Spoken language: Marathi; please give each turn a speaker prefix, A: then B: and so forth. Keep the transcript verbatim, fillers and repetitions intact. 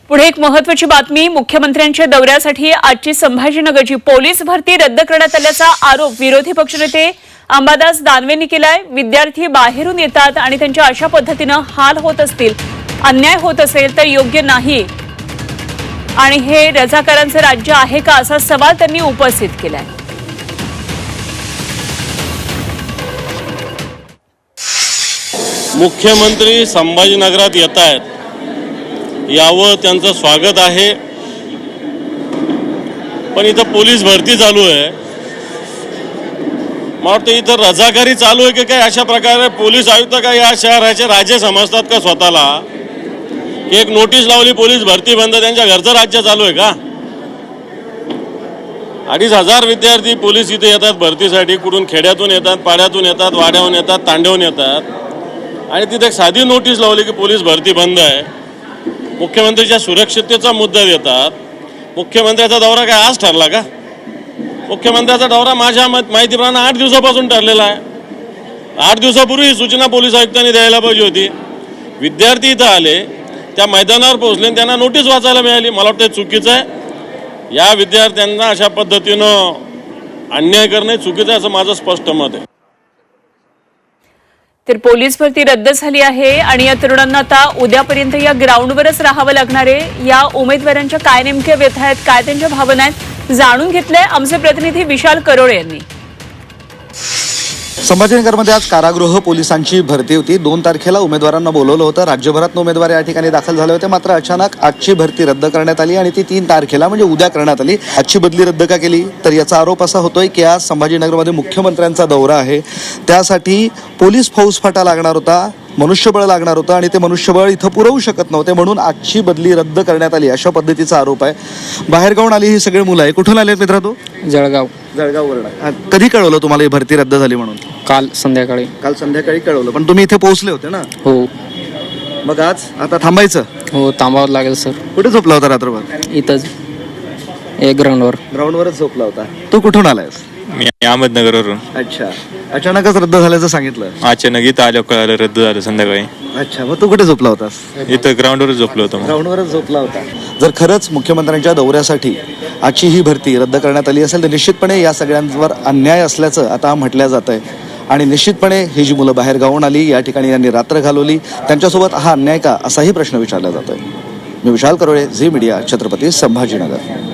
A: पुढे एक महत्त्वाची बातमी। मुख्यमंत्र्यांच्या दौऱ्यासाठी आजची संभाजीनगरची पोलीस भरती रद्द करण्यात आल्याचा आरोप विरोधी पक्षनेते अंबादास दानवेंनी केलाय। विद्यार्थी बाहेरून येतात आणि त्यांच्या अशा पद्धतीने हाल होत असतील, अन्याय होत असेल तर योग्य नाही आणि हे रजाकारांचे राज्य आहे का असा सवाल त्यांनी उपस्थित केलाय।
B: मुख्यमंत्री संभाजीनगरात येत आहेत, यावं त्यांचं स्वागत आहे, पण इथं पोलीस भरती चालू आहे। मला वाटतं इथं रजाकारी चालू आहे की काय? अशा प्रकारे पोलीस आयुक्त का या शहराचे राजे समजतात का स्वतःला? की एक नोटीस लावली पोलीस भरती बंद, त्यांच्या घरचं राज्य चालू आहे का? अडीच हजार विद्यार्थी पोलीस इथे येतात भरतीसाठी, कुठून खेड्यातून येतात, पाड्यातून येतात, वाड्याहून येतात, तांड्याहून येतात, आणि तिथे एक साधी नोटीस लावली की पोलीस भरती बंद आहे। मुख्यमंत्र्यांच्या सुरक्षिततेचा मुद्दा देतात। मुख्यमंत्र्याचा दौरा काय आज ठरला का? मुख्यमंत्र्याचा दौरा माझ्या माहितीप्रमाणे आठ दिवसापासून ठरलेला आहे। आठ दिवसापूर्वी सूचना पोलीस आयुक्तांनी द्यायला पाहिजे होती। विद्यार्थी इथं आले, त्या मैदानावर पोहोचले, त्यांना नोटीस वाचायला मिळाली। मला वाटतं चुकीचं आहे। या विद्यार्थ्यांना अशा पद्धतीनं अन्याय करणे चुकीचं आहे असं माझं स्पष्ट मत आहे।
A: तर पोलीस भरती रद्द झाली आहे आणि या तरुणांना आता उद्यापर्यंत या ग्राउंडवरच राहावं लागणार आहे। या उमेदवारांच्या काय नेमक्या व्यथा आहेत, काय त्यांच्या भावना आहेत, जाणून घेतलंय आमचे प्रतिनिधी विशाल करोळे यांनी।
C: संभाजीनगरमध्ये आज कारागृह पोलिसांची भरती होती। दोन तारखेला उमेदवारांना बोलवलं होतं। राज्यभरात उमेदवार या ठिकाणी दाखल झाले होते, मात्र अचानक आजची भरती रद्द करण्यात आली आणि ती तीन तारखेला म्हणजे उद्या करण्यात आली। आजची बदली रद्द का केली तर याचा आरोप असा होतोय की आज संभाजीनगरमध्ये मुख्यमंत्र्यांचा दौरा आहे, त्यासाठी पोलीस फौजफाटा लागणार होता, मनुष्यबळ लागणार होतं आणि ते मनुष्यबळ इथं पुरवू शकत नव्हते, म्हणून आजची बदली रद्द करण्यात आली अशा पद्धतीचा आरोप आहे। बाहेरगावून आली ही सगळी मुलं आहे। कुठून आले मित्रा तू?
D: जळगाव
C: जळगाववरून। कधी कळवलं तुम्हाला ही भरती रद्द झाली म्हणून?
D: काल संध्याकाळी
C: काल संध्याकाळी कळवलं, पण तुम्ही इथे पोहोचले होते ना?
D: हो
C: मग आज आता थांबायचं?
D: हो थांबावं लागेल सर।
C: कुठे झोपला होता रात्रभर?
D: इथंच एक ग्राउंडवर
C: ग्राउंडवरच झोपला होता। तू कुठून आलायस?
E: मी अहमदनगरवरून।
C: अच्छा, अचानकच रद्द झाल्याचं सांगितलं?
E: अचानक इथं आलो, कळालं रद्द झालं संध्याकाळी।
C: अच्छा, मग तू कुठे झोपला होतास?
E: इथं ग्राउंडवरच झोपलो होतो।
C: ग्राउंडवरच झोपला होता। जर खरंच मुख्यमंत्र्यांच्या दौऱ्यासाठी आजची ही भरती रद्द करण्यात आली असेल तर निश्चितपणे या सगळ्यांवर अन्याय असल्याचं आता म्हटलं जात आहे आणि निश्चितपणे ही जी मुलं बाहेर गावून आली, या ठिकाणी यांनी रात्र घालवली, त्यांच्यासोबत हा अन्याय का असाही प्रश्न विचारला जातोय। मी विशाल करोळे, झी मीडिया, छत्रपती संभाजीनगर।